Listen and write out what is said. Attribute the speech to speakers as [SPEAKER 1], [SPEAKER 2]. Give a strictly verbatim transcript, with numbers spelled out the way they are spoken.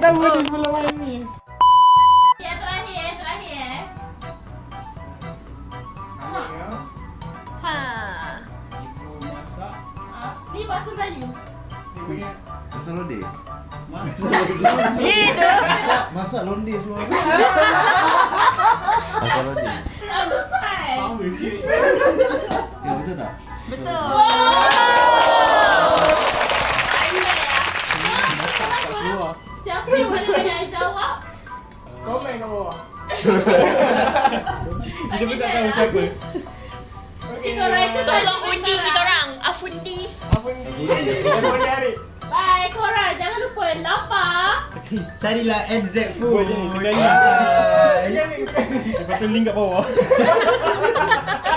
[SPEAKER 1] Pertama ni sebelum main ni.
[SPEAKER 2] Yang terakhir, yang terakhir eh.
[SPEAKER 1] Ambil ya.
[SPEAKER 2] Ha.
[SPEAKER 1] Ibu masak.
[SPEAKER 2] Ah, ni bahasa Melayu.
[SPEAKER 1] Ni punya.
[SPEAKER 3] Masak londe.
[SPEAKER 1] Masak.
[SPEAKER 2] Ye tu.
[SPEAKER 3] Masak, masak londe semua. Masak londe.
[SPEAKER 2] Tak selesai.
[SPEAKER 1] Apa sih?
[SPEAKER 3] Ya betul tak?
[SPEAKER 2] Betul.
[SPEAKER 1] Kat seluar.
[SPEAKER 2] Siapa yang paling banyak jawab?
[SPEAKER 1] Komen kat bawah. Kita pun tak tahu siapa.
[SPEAKER 2] Okey, korang itu
[SPEAKER 4] Tolong undi kita orang. Afundi.
[SPEAKER 1] Apa ni? Telefon dia Arik.
[SPEAKER 2] Bye korang, jangan lupa lapar.
[SPEAKER 5] Carilah N Z
[SPEAKER 1] Boleh,
[SPEAKER 5] Food.
[SPEAKER 1] kedai ni.
[SPEAKER 5] Bye.
[SPEAKER 1] Lepas tu link kat bawah.